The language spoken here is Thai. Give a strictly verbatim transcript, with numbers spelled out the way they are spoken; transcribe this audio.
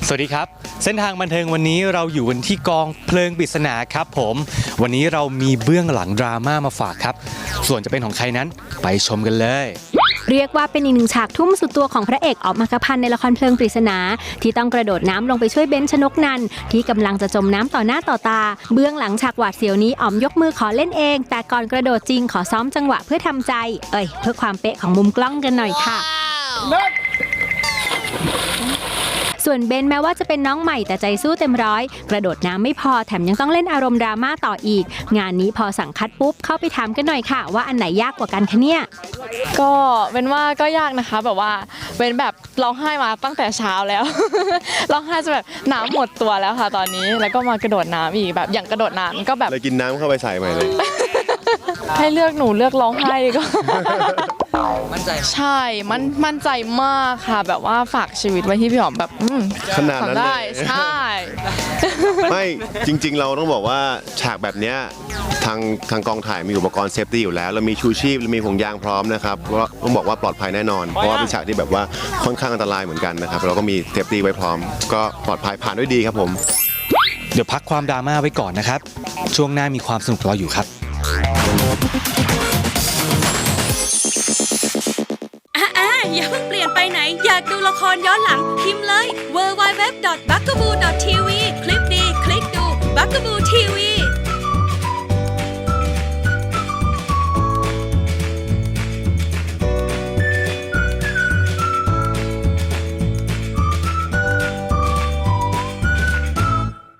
สวัสดีครับเส้นทางบันเทิงวันนี้เราอยู่กันที่กองเพลิงปริศนาครับผมวันนี้เรามีเบื้องหลังดราม่ามาฝากครับส่วนจะเป็นของใครนั้นไปชมกันเลยเรียกว่าเป็นอีกหนึ่งฉากทุ่มสุดตัวของพระเอกอ๋อมอัครพันธ์ในละครเพลิงปริศนาที่ต้องกระโดดน้ำลงไปช่วยเบนชนกนันท์ที่กำลังจะจมน้ำต่อหน้าต่อตาเบื้องหลังฉากหวาดเสียวนี้อ๋อมยกมือขอเล่นเองแต่ก่อนกระโดดจริงขอซ้อมจังหวะเพื่อทำใจเอ้ยเพื่อความเป๊ะของมุมกล้องกันหน่อยค่ะส่วนเบนแม้ว่าจะเป็นน้องใหม่แต่ใจสู้เต็มร้อยกระโดดน้ำไม่พอแถมยังต้องเล่นอารมณ์ดราม่าต่ออีกงานนี้พอสั่งคัดปุ๊บเข้าไปถามกันหน่อยค่ะว่าอันไหนยากกว่ากันคะเนี่ยก็เป็นว่าก็ยากนะคะแบบว่าเป็นแบบร้องไห้มาตั้งแต่เช้าแล้ว ร้องไห้จะแบบน้ำหมดตัวแล้วค่ะตอนนี้แล้วก็มากระโดดน้ำอีกแบบอย่างกระโดดน้ำก็แบบเลยกินน้ำเข้าไปใส่ใหม่เลยให้เลือกหนูเลือกร้องไห้ดีกว่ามั่นใจใช่มันมั่นใจมากค่ะแบบว่าฝากชีวิตไว้ที่พี่หอมแบบขนาดนั้นเลยใช่ไม่จริงๆเราต้องบอกว่าฉากแบบเนี้ยทางทางกองถ่ายมีอุปกรณ์เซฟตี้อยู่แล้วเรามีชูชีพมีห่วงยางพร้อมนะครับเพราะต้องบอกว่าปลอดภัยแน่นอนเพราะว่าเป็นฉากที่แบบว่าค่อนข้างอันตรายเหมือนกันนะครับเราก็มีเซฟตี้ไว้พร้อมก็ปลอดภัยผ่านด้วยดีครับผมเดี๋ยวพักความดราม่าไว้ก่อนนะครับช่วงหน้ามีความสนุกรออยู่ครับอย่าเพิ่งเปลี่ยนไปไหนอยากดูละครย้อนหลังพิมพ์เลย ดับเบิลยู ดับเบิลยู ดับเบิลยู ดอท บักกะบู ดอท ที วี คลิกดีคลิกดู บักกะบู